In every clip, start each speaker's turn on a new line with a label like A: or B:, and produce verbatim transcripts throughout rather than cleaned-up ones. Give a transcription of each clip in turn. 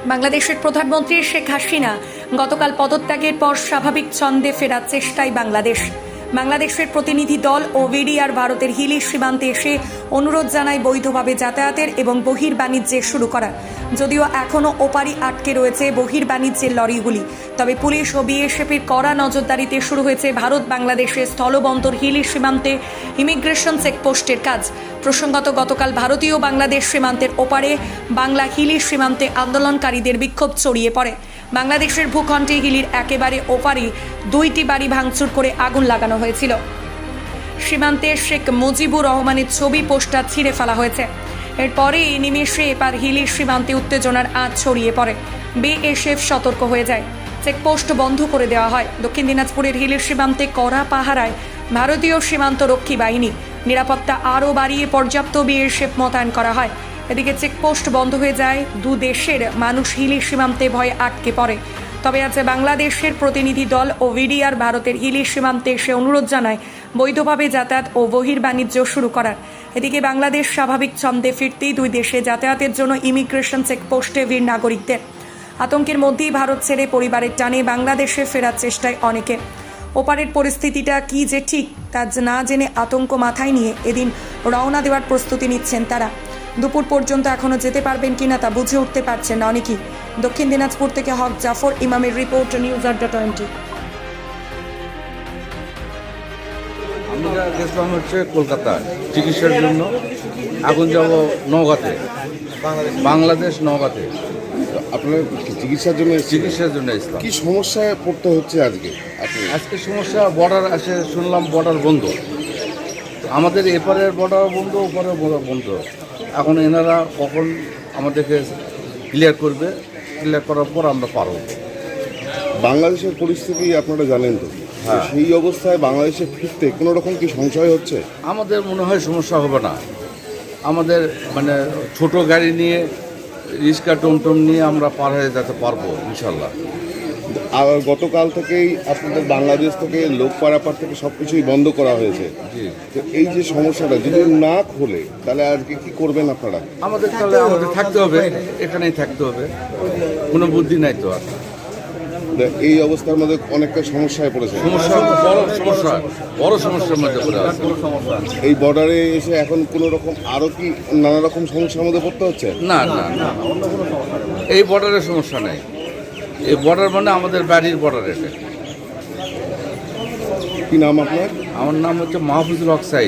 A: বাংলাদেশের প্রধানমন্ত্রী শেখ হাসিনা গতকাল পদত্যাগের পর স্বাভাবিক ছন্দে ফেরার চেষ্টায় বাংলাদেশ বাংলাদেশের প্রতিনিধি দল ও ভিডিআর ভারতের হিলি সীমান্তে এসে অনুরোধ জানায় বৈধভাবে যাতায়াতের এবং বহির্বাণিজ্যের শুরু করা। যদিও এখনও ওপারি আটকে রয়েছে বহির্বাণিজ্যের লরিগুলি, তবে পুলিশ ও বিএসএফের কড়া নজরদারিতে শুরু হয়েছে ভারত বাংলাদেশের স্থলবন্দর হিলি সীমান্তে ইমিগ্রেশন চেকপোস্টের কাজ। প্রসঙ্গত গতকাল ভারতীয় বাংলাদেশ সীমান্তের ওপারে বাংলা হিলি সীমান্তে আন্দোলনকারীদের বিক্ষোভ ছড়িয়ে পড়ে। বাংলাদেশের ভূখণ্ডে হিলির একেবারে ওপারে দুইটি বাড়ি ভাঙচুর করে আগুন লাগানো হয়েছিল। সীমান্তে শেখ মুজিবুর রহমানের ছবি পোস্টার ছিঁড়ে ফেলা হয়েছে। এরপরে এই নিমেষে এবার হিলির সীমান্তে উত্তেজনার আঁচ ছড়িয়ে পড়ে। বিএসএফ সতর্ক হয়ে যায়, চেকপোস্ট বন্ধ করে দেওয়া হয়। দক্ষিণ দিনাজপুরের হিলির সীমান্তে কড়া পাহারায় ভারতীয় সীমান্ত রক্ষী বাহিনী, নিরাপত্তা আরও বাড়িয়ে পর্যাপ্ত বিএসএফ মোতায়েন করা হয়। এদিকে চেকপোস্ট বন্ধ হয়ে যায়, দু দেশের মানুষ হিলি সীমান্তে ভয়ে আটকে পড়ে। তবে আজ বাংলাদেশের প্রতিনিধি দল ও ভিডিআর ভারতের হিলি সীমান্তে এসে অনুরোধ জানায় বৈধভাবে যাতায়াত ও বহির্বাণিজ্য শুরু করার। এদিকে বাংলাদেশ স্বাভাবিক ছন্দে ফিরতেই দুই দেশে যাতায়াতের জন্য ইমিগ্রেশন চেকপোস্টে ভিড় নাগরিকদের। আতঙ্কের মধ্যেই ভারত ছেড়ে পরিবারের টানে বাংলাদেশে ফেরার চেষ্টায় অনেকে। ওপারের পরিস্থিতিটা কি যে ঠিক তা না জেনে আতঙ্ক মাথায় নিয়ে এদিন রওনা দেওয়ার প্রস্তুতি নিচ্ছেন তারা। দুপুর পর্যন্ত এখনও যেতে পারবেন কিনা তা বুঝে উঠতে পারছেন না অনেকেই। দক্ষিণ দিনাজপুর থেকে হক জাফর ইমামের রিপোর্ট, নিউজ আড্ডা টোয়েন্টি।
B: আমরা গেছিলাম হচ্ছে কলকাতায় চিকিৎসার জন্য, এখন যাব নওগাঁতে, বাংলাদেশ নওগাঁতে।
C: আপনার চিকিৎসার জন্য
B: চিকিৎসার জন্য ইসলাম
C: কি সমস্যায় পড়তে হচ্ছে আজকে?
B: আজকে সমস্যা বর্ডার আসে, শুনলাম বর্ডার বন্ধ, আমাদের এপারের বর্ডার বন্ধ, ওপারের বর্ডার বন্ধ। এখন এনারা কখন আমাদেরকে ক্লিয়ার করবে, ক্লিয়ার করার পর আমরা পারব।
C: বাংলাদেশের পরিস্থিতি আপনারা জানেন তো,
B: হ্যাঁ।
C: সেই অবস্থায় বাংলাদেশে ফিরতে কোনো রকম কি সংশয় হচ্ছে?
B: আমাদের মনে হয় সমস্যা হবে না। আমাদের মানে ছোট গাড়ি নিয়ে, রিক্সা টমটম নিয়ে আমরা পার হয়ে যেতে পারবো ইনশাল্লাহ।
C: আর গতকাল থেকেই আপনাদের বাংলাদেশ থেকে লোক পারাপার থেকে সব কিছুই বন্ধ করা হয়েছে।
B: জি,
C: তো এই যে সমস্যাটা যদি না খোলে তাহলে আজকে কি করবেন আপনারা?
B: আমাদের তাহলে আমাদের থাকতে হবে, এখানেই থাকতে হবে, কোনো বুদ্ধি নাই তো আর।
C: এই অবস্থার মধ্যে অনেকটা সমস্যায় পড়েছে,
B: সমস্যা বড় সমস্যা, বড় সমস্যার মধ্যে পড়ে আছে।
C: এই বর্ডারে এসে এখন কোনো রকম আরও কি নানা রকম সমস্যার মধ্যে পড়তে হচ্ছে?
B: না না না, এই বর্ডারের সমস্যা নেই। এই বর্ডার মানে আমাদের বাড়ির বর্ডার। এটা
C: কি নাম আপনার?
B: আমার নাম হচ্ছে মাহফুজুল হক সাইদ।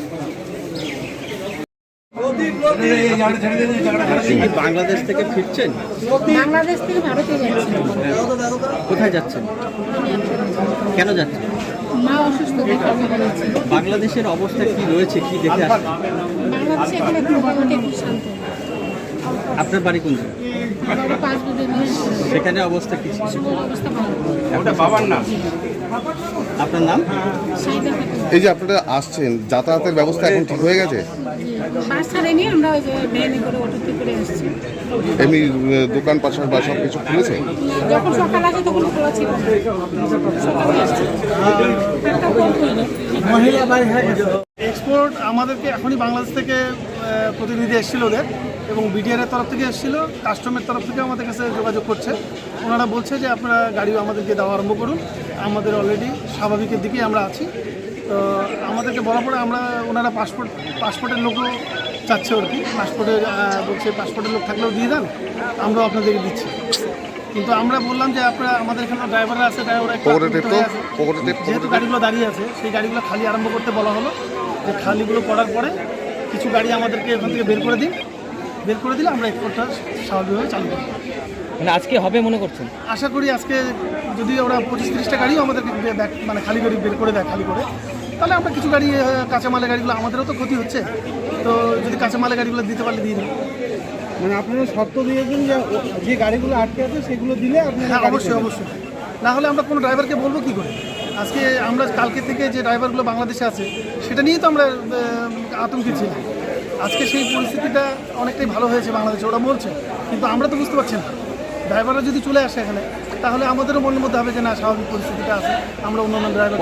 D: বাংলাদেশ থেকে ফিরছেন?
E: বাংলাদেশ থেকে ভারতে যাচ্ছেন।
D: কোথায় যাচ্ছেন? কেন যাচ্ছেন?
E: মা অসুস্থ, দেখাতে বলেছে।
D: বাংলাদেশের অবস্থা কি রয়েছে, কি দেখে আসছেন?
E: বাংলাদেশে এখন একটু মোটামুটি একটু শান্ত।
D: আপনার বাড়ি কোন জায়গায়?
E: বাবা পাঁচ দুদিন
D: সেখানে অবস্থা কি ছিল?
E: অবস্থা ভালো।
D: একটা বাবার নাম। আপনার নাম?
E: সাইদা খাতুন।
C: এই যে আপনারা আসছেন, যাতায়াতের ব্যবস্থা এখন ঠিক হয়ে গেছে?
E: বাস ছাড়েনি, আমরা ওই যে ভ্যানে করে অটোতে করে আসছি।
C: এমনি দোকান পাশার বা সব কিছু খুলেছে?
E: যখন সকাল আসে তখন খোলা ছিল। সকালে আসছি। একটা ফোন করলো।
F: এক্সপোর্ট আমাদেরকে এখনই বাংলাদেশ থেকে আহ, প্রতিনিধি এসেছিল ওদের, এবং বিডিআর এর তরফ থেকে এসেছিল, কাস্টমের তরফ থেকে আমাদের কাছে যোগাযোগ করছে। ওনারা বলছে যে আপনারা গাড়ি আমাদেরকে দেওয়া আরম্ভ করুন, আমাদের অলরেডি স্বাভাবিকের দিকেই আমরা আছি। তো আমাদেরকে বলা পরে আমরা, ওনারা পাসপোর্ট পাসপোর্টের লোকও চাচ্ছে আর কি, পাসপোর্টের বলছে পাসপোর্টের লোক থাকলেও দিয়ে দেন, আমরাও আপনাদেরকে দিচ্ছি। কিন্তু আমরা বললাম যে আপনারা, আমাদের এখানে ড্রাইভাররা আছে, ড্রাইভাররা একটু আতঙ্কিত হয়ে আছে। যেহেতু গাড়িগুলো দাঁড়িয়ে আছে, সেই গাড়িগুলো খালি আরম্ভ করতে বলা হলো, যে খালিগুলো করার পরে কিছু গাড়ি আমাদেরকে এখান থেকে বের করে দিন, বের করে দিলে আমরা এক্সপোর্টটা স্বাভাবিকভাবে চালু করি।
D: মানে আজকে হবে মনে করছেন?
F: আশা করি আজকে যদি ওরা পঁচিশ তিরিশটা গাড়িও আমাদেরকে ব্যাক মানে খালি গাড়ি বের করে দেয়, খালি করে, তাহলে আমরা কিছু গাড়ি, কাঁচামালের গাড়িগুলো, আমাদেরও তো ক্ষতি হচ্ছে, তো যদি কাঁচামালের গাড়িগুলো দিতে পারলে দিয়ে দিন।
G: মানে আপনারা শর্ত দিয়েছেন যে যে গাড়িগুলো আটকে আছে সেগুলো দিলে আপনারা?
F: হ্যাঁ, অবশ্যই অবশ্যই, না হলে আমরা কোনো ড্রাইভারকে বলবো কী করে? আজকে আমরা কালকে থেকে যে ড্রাইভারগুলো বাংলাদেশে আছে সেটা নিয়েই তো আমরা আতঙ্কিত ছিলাম। আজকে সেই পরিস্থিতিটা অনেকটাই ভালো হয়েছে বাংলাদেশে, ওরা বলছে, কিন্তু আমরা তো বুঝতে পারছি না। ড্রাইভাররা যদি চলে আসে এখানে, তাহলে আমাদেরও মনের মধ্যে হবে যে না, স্বাভাবিক পরিস্থিতিটা আছে, আমরা অন্য অন্য ড্রাইভার।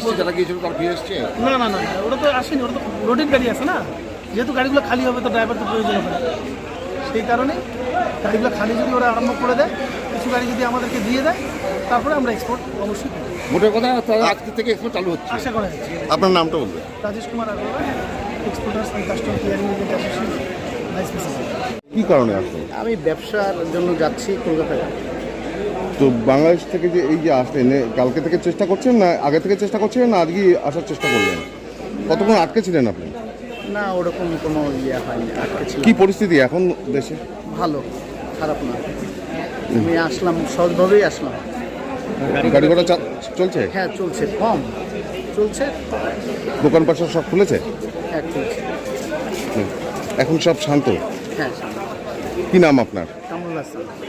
F: না না না, ওরা তো আসেনি, ওরা তো রোডের গাড়ি আছে না, যেহেতু গাড়িগুলো খালি হবে তো ড্রাইভার তো প্রয়োজন হবে না, সেই কারণে গাড়িগুলো খালি যদি ওরা আরম্ভ করে দেয়, কিছু গাড়ি যদি আমাদেরকে দিয়ে দেয়, তারপরে আমরা এক্সপোর্ট অবশ্যই করি।
B: মোটের কথা তারা আজকে থেকে এক্সপোর্ট চালু হচ্ছে।
F: আশা করা যাচ্ছে।
C: আপনার নামটা বলবেন?
F: Rajesh Kumar Agarwal, exporters and customer caring agent association, vice president.
C: কি কারণে আসলেন?
H: আমি ব্যবসার জন্য যাচ্ছি কলকাতায়।
C: তো বাংলাদেশ থেকে যে এই যে আসলেন, এ কালকে থেকে চেষ্টা করছেন না আগে থেকে চেষ্টা করছিলেন না আজকে আসার চেষ্টা করলেন? কতক্ষণ আটকে ছিলেন আপনি?
H: না, ওরকম কোনো ইয়ে হয়নি, আটকে ছিল।
C: কি পরিস্থিতি এখন দেশে?
H: ভালো, খারাপ না। আমি আসলাম, সহজভাবেই আসলাম।
C: গাড়ি ঘোড়া চা- চলছে?
H: হ্যাঁ চলছে, কম চলছে,
C: দোকান পাশা সব খুলেছে?
H: হ্যাঁ চলছে।
C: হুম। এখন সব শান্ত?
H: হ্যাঁ,
C: কি নাম আপনার?
H: কামরুল হাসান।